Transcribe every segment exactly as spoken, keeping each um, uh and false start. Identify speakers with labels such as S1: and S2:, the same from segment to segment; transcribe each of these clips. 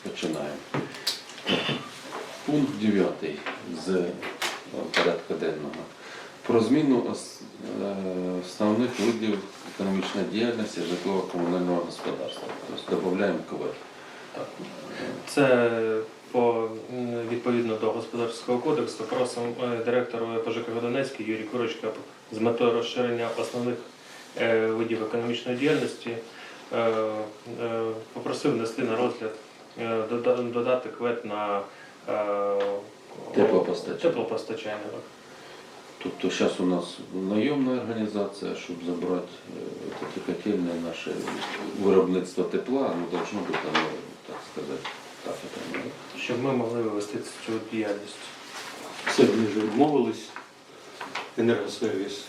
S1: Починаємо. Пункт дев'ятий з е, порядку денного. Про зміну ос- е, основних видів економічної діяльності житлово-комунального господарства. Тобто додаємо КВЕД.
S2: Це по, м, відповідно до Господарського кодексу просимо е, директору по ЖКГ Донецький Юрій Курочка з метою розширення основних е, видів економічної діяльності е, е, попросив внести на розгляд, е, дода- додати КВЕД на е,
S1: Теплопостачання.
S2: теплопостачання.
S1: Тобто зараз у нас найомна організація, щоб забрати е, ці котельні, наше виробництво тепла, ну, должно бути, ну, так сказати, так, это, ну,
S2: Щоб ми могли вивести цю діяльність.
S3: Все, вони вже відмовились. Енергосервіс.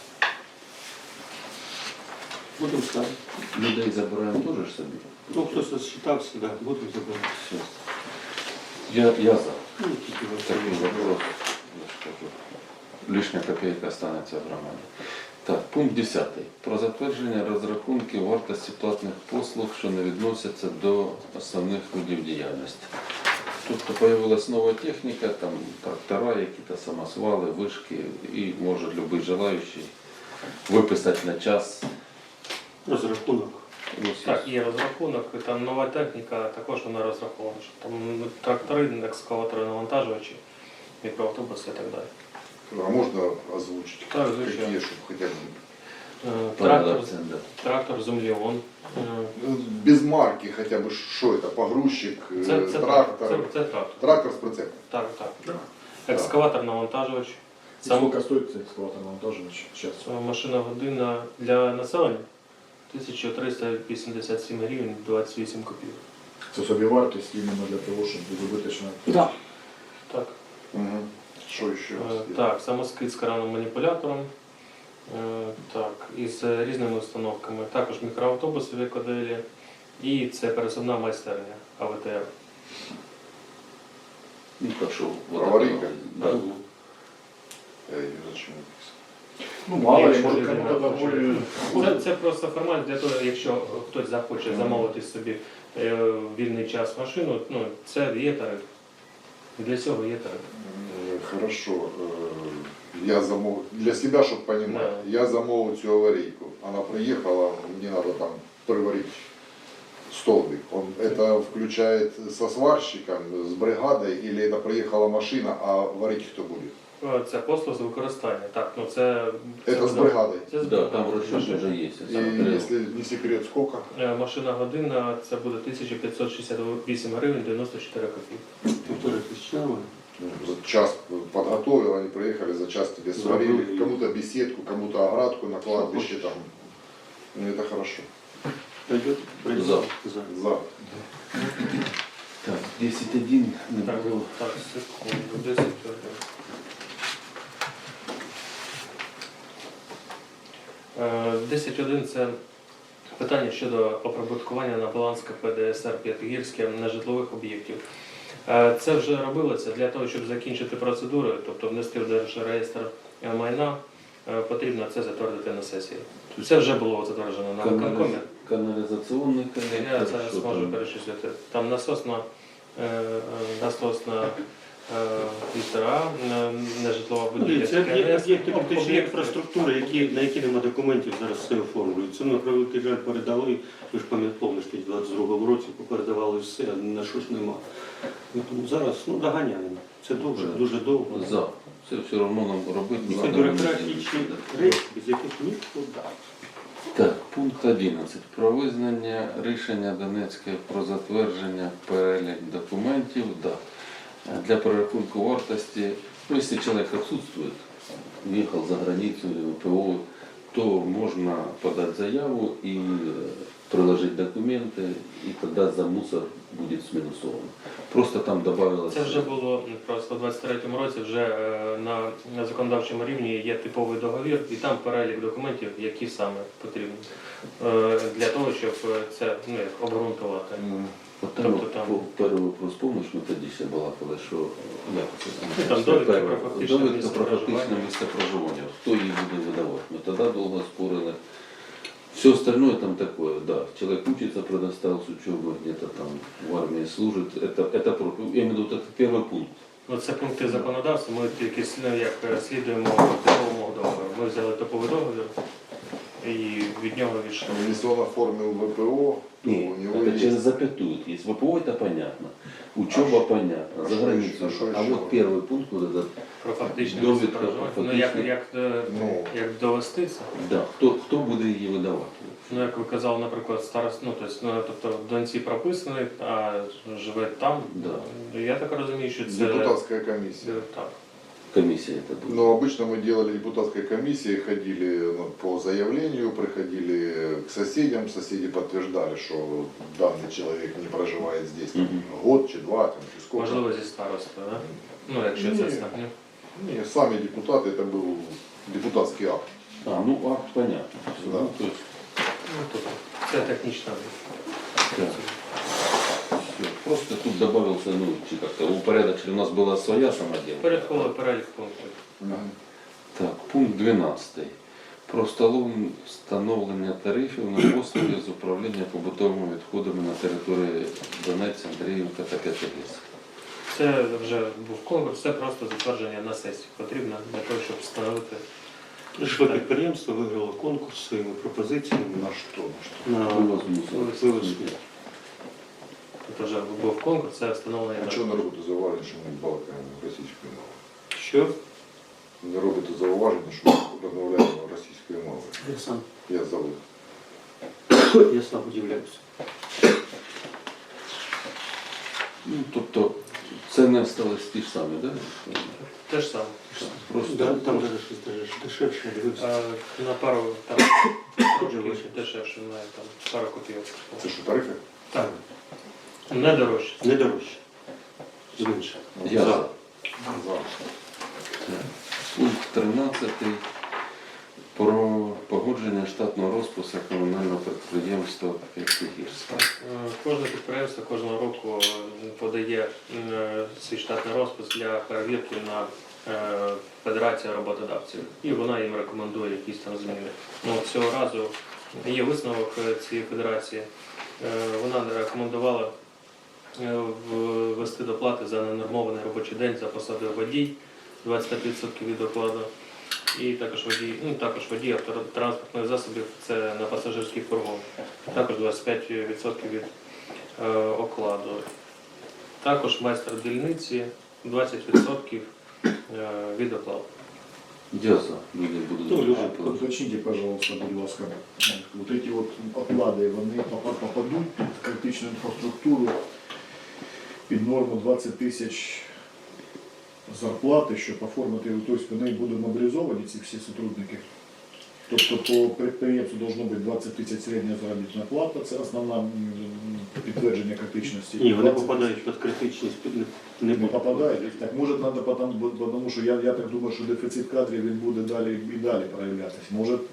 S3: Будемо ставити.
S1: людей забираємо теж ж собі.
S3: Ну, хтось розчитався, да, будемо забирати.
S1: Все. Я, я за.
S3: Ну, тільки ви
S1: Такий
S3: самі
S1: вопрос, я ж кажу, лишня копійка останеться в громаді. Так, пункт десятий. Про затвердження розрахунків вартості платних послуг, що не відносяться до основних видів діяльності. Тобто появилась нова техніка, там трактора, якісь самосвали, вишки, і може будь-який желаючий виписати на час.
S3: розрахунок.
S1: Ну,
S2: Так, є розрахунок, і там нова техніка, також вона розрахована, що там трактори, екскаватори, навантажувачі, мікроавтобуси і так далі.
S4: А можно озвучить?
S2: Так, звучит.
S4: Какие, чтобы хотя бы...
S2: Е,
S1: Трактор,
S2: Трактор,
S1: да.
S2: трактор землеон. Е,
S4: Ну, без марки хотя бы, что это? Погрузчик, э,
S2: Це, це,
S4: трактор?
S2: Це, це трактор.
S4: Трактор с прицепом.
S2: Так, так. Екскаватор, навантажувач. Сам,
S5: Сколько стоит цей экскаватор навантажувач сейчас?
S2: е, машина година для населення тисяча триста вісімдесят сім гривень двадцять вісім копійок.
S5: Це собівартість іменно для того, щоб буде виточено.
S2: Так. Так.
S4: Угу. Что еще?
S2: Е, Так, самоскид з каравним маніпулятором. Е, Так, із різними установками. Також мікроавтобуси в екоделі. І це пересувна майстерня А В Т Р.
S1: Ну, так що, вот
S4: Аварійка?
S1: да.
S4: Я ее зачем написал?
S5: Ну, мало ли,
S2: Якщо
S5: може
S2: людина
S5: кому-то
S2: хоче.
S5: доволі...
S2: Це, це просто формальність для того, якщо хтось захоче замовити собі е, в вільний час машину, ну, це є тариф. Для цього є тариф.
S4: Э, Хорошо. Э, Я замов... Для себя, чтобы понимать, я замовил эту аварийку. Она приехала, мне надо там приварить столбик. Он это включает со сварщиком, с бригадой, или это приехала машина, а варить кто будет?
S2: Е, Це послуг з використання. Так, ну це, це
S4: Это с
S2: буде-
S4: бригадой.
S2: Це з
S1: Да, там
S2: бригадою.
S1: розчет вже є.
S4: И если не секрет, сколько?
S2: Е, Машина година це буде тисяча п'ятсот шістдесят вісім гривень дев'яносто чотири копійки.
S3: Півтори тисячі нормально.
S4: За час подготовил, они приехали, за час тебе сварили,
S3: Забыли.
S4: кому-то беседку, кому-то оградку на кладбище там. Ну это хорошо.
S3: Пойдет? Пойдет.
S1: За.
S3: За.
S4: За.
S1: Так, десять один не
S2: Так,
S1: було.
S2: так, секунду, десять один. Е, десять один це питання щодо оприбуткування на баланс К П Д С Р П'ятигірське нежитлових об'єктів. Е, Це вже робилося для того, щоб закінчити процедуру, тобто внести в Держреєстр майна, е, потрібно це затвердити на сесії. Це вже було затверджено на виконкомі.
S1: Каналізаційний
S2: Я
S1: коннектор.
S2: зараз
S1: що
S2: можу
S1: там?
S2: перечислити. Там насосна, е, е, насосна е, півтора, е, нежитлова будівля.
S3: Це об'єкти об'єкти критичної
S2: Об'єкти.
S3: інфраструктури, які, на які нема документів, зараз все оформлюють. Це, на превеликий жаль, передали, ви ж пам'ятаєте, в двадцять другому році попередавали все, а на щось нема. Ну, тому зараз ну, доганяємо. Це дуже, дуже довго.
S1: За. Це все одно нам робити.
S3: Це
S1: надо.
S3: бюрократичні речі, без яких нікуди.
S1: Так, пункт одинадцять. Про визнання рішення Донецької про затвердження перелік документів да, для перерахунку вартості. Ну, якщо чоловік відсутствує, виїхав за границю, П О, то можна подати заяву і е, приложити документи, і тоді за мусор буде змінусовано. Просто там додавалося...
S2: Це вже було просто в двадцять третьому році, вже е, на, на законодавчому рівні є типовий договір, і там перелік документів, які саме потрібні е, для того, щоб це ну, як, обґрунтувати.
S1: От там,
S2: Тобто там-
S1: по перший вопрос, помниш, ми тоді ще балакали, що як це
S2: Ну, там довідка
S1: перше?
S2: про фактичне
S1: Довідка
S2: місце
S1: про фактичне
S2: проживання.
S1: місце проживання. Хто її буде видавати? Ми тоді довго спорили. Все остальное там такое, да. Человек учится, предоставил с учебы, где-то там в армии служит. Это, это, про- я имею в виду, вот это первый пункт.
S2: Ну, це пункти законодавства, ми тільки слід- як е, слідуємо типовому договору. Ми взяли типовий договір і від нього відійшли.
S4: Если он оформил ВПО, то
S1: Нет,
S4: у него
S1: это
S4: есть...
S1: через запятую есть. ВПО это понятно, учеба
S4: А
S1: понятно,
S4: а
S1: за
S4: что
S1: границей.
S4: еще? А что
S1: А
S4: еще?
S1: вот первый пункт, вот этот,
S2: Про фактичне
S1: Довідка
S2: місце проживання.
S1: про
S2: Ну, як,
S1: фактичне-
S2: як, е,
S4: Ну.
S2: як довести це?
S1: да, хто, хто буде її видавати?
S2: Ну, як ви казали, наприклад, старост, ну, тобто, ну, тобто в доньці прописаний, а живе там.
S1: Да.
S2: Я так розумію, що це...
S4: Депутатская комиссия.
S2: Е, Так.
S1: Комісія це буде.
S4: Но обычно мы делали депутатской комиссии, ходили ну, по заявлению, приходили к соседям, соседи подтверждали, что данный человек не проживает здесь там,
S1: Мгм.
S4: год, чи два, там, чи сколько.
S2: Можливо, зі старостою, да? Ну, якщо
S4: Ні.
S2: це так, ні?
S4: Не, сами депутаты, это был депутатский акт.
S1: А, ну акт понятно.
S4: Да.
S1: Ну, то есть,
S2: Ну, тут це технічно.
S1: да. Всё. Просто тут добавился, ну, чи как-то упорядочили. У нас была своя самоделка.
S2: Порядковий перелік пунктів.
S1: Так, пункт дванадцятий. Про встановлен- встановлення тарифів на послуги з управління побутовими відходами на території Донець, Андріївка та П'ятигірська.
S2: Це вже був конкурс, це просто затвердження на сесії потрібно для того, щоб встановити.
S3: Житлове підприємство виграло конкурс своїми пропозиціями
S4: На что? На что?
S3: на
S1: Вивоз мусору.
S3: вивоз сміття.
S2: Тут вже був конкурс, це встановлення.
S4: А
S2: на-
S4: что не робите зауваження, що ми балакаємо російською мовою?
S3: Що?
S4: Не робите зауваження, що ми розмовляємо російською мовою?
S3: Я сам,
S4: Я забув.
S3: я сам удивляюся.
S1: Ну, тобто, це не сталося ті ж самі, так? Да?
S2: Те ж саме.
S1: Просто
S3: Да, там даже щось даже дешевше, я дивився.
S2: А, на пару там трошки дешевше, має там пару копійок.
S4: Це що, тарифи?
S2: Так. Не дорожче.
S3: Не дорожче. Зменше.
S1: я за.
S4: За.
S1: Пункт тринадцятий. Про погодження штатного розпису комунального підприємства П'ятигірська.
S2: Е, Кожне підприємство кожного року е, подає е, свій штатний розпис для перевірки на е, Федерацію роботодавців. І вона їм рекомендує якісь там зміни. Ну, от цього разу є висновок е, цієї федерації. Е, Вона рекомендувала е, ввести доплати за ненормований робочий день за посадою водій двадцять п'ять відсотків від окладу. І також водій, ну також водій автотранспортних засобів, це на пасажирських фургон. Також двадцять п'ять відсотків від е, окладу. Також майстер дільниці двадцять відсотків е, від окладу.
S1: Я за. Люди будуть
S3: Ну, люди
S1: дуже проти.
S5: Уточните, пожалуйста, будь ласка, вот эти вот оклади, вони попа- попадуть під критичну інфраструктуру, під норму двадцять тисяч зарплати, щоб оформити, тобто вони будуть мобілізовані, ці всі сотрудники. Тобто по підприємству должно бути двадцять тисяч середня заробітна плата, це основне м, підтвердження критичності.
S3: Ні, вони
S5: двадцять
S3: попадають під критичність, під не,
S5: не
S3: не
S5: попадають. Так може треба, потому, бо- тому що я, я так думаю, що дефіцит кадрів він буде далі і далі проявлятися. Може м,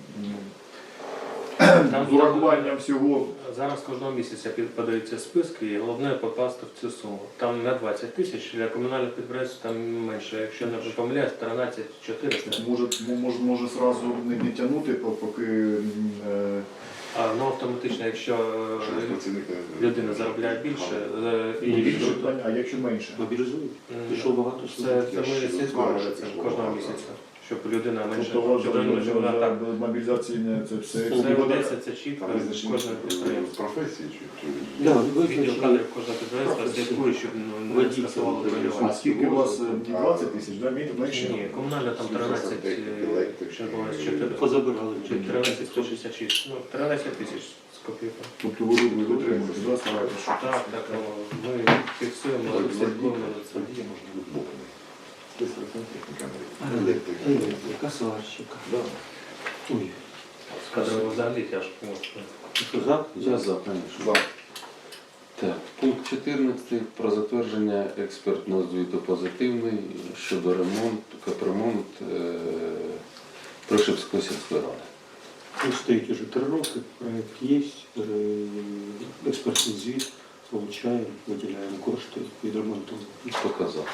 S2: Там
S5: з урахуванням всього.
S2: Зараз кожного місяця під- подаються списки, і головне попасти в цю суму. Там не двадцять тисяч, для комунальних підприємств там менше. Якщо не помиляюсь, тринадцять чотириста.
S5: Може, м- може, може зразу не, не тягнути, по- поки м, е,
S2: А ну автоматично, якщо
S4: Що
S2: е,
S4: працівник не-
S2: людина заробляє більше, е, і
S5: ну, більше,
S2: якщо-
S5: а якщо менше.
S3: мобілізують.
S2: М,
S3: Пішло багато
S2: Це,
S3: служб.
S2: це
S4: Я
S2: ми
S4: ж
S2: слідкуємо за
S4: знаю,
S2: цим
S4: що
S2: кожного
S4: багато.
S2: місяця, щоб людина менше
S5: Тобто вважаю,
S2: людина
S5: що
S2: живе так.
S5: мобілізаційне це все.
S2: Це
S5: І буде-
S2: ведеться, це чітко,
S4: Там визначені
S2: кожне підприємство.
S4: професії чи, чи...
S3: Да,
S2: Відділ
S3: визначені.
S2: кадрів кожного підприємства слідкує, щоб ну, не
S3: Водій
S2: скасувало
S3: це
S2: бронювання.
S5: А скільки у вас е, двадцять тисяч, да? Мі- менше?
S2: Ні, комунальна там тринадцять, е, ще було чотири.
S3: Позабирали.
S2: тринадцять сто шістдесят шість. Ну, тринадцять тисяч з копійкою.
S5: Тобто ви ви витримуєте, да, стараєтесь, що
S2: Так, так, ну, ми фіксуємо, слідкуємо за цим.
S4: Водій може бути боком. Тобто сантехніка,
S3: Електрика,
S4: електрика.
S3: сварщика.
S4: Да.
S3: Ой,
S2: Кадрово взагалі тяжко. ну,
S3: що за?
S1: Я за, звісно.
S4: За.
S1: Так, пункт чотирнадцятий. Про затвердження експертного звіту позитивний щодо ремонту, капремонт е, Пришипської сільської ради.
S3: Він стоїть уже три роки, проект є, е, експертний звіт, получаємо, виділяємо кошти, відремонтуємо.
S1: Показав.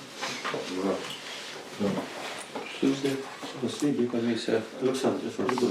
S4: За.
S1: Все,
S3: Спасибі.
S1: комісія.
S3: Олександр,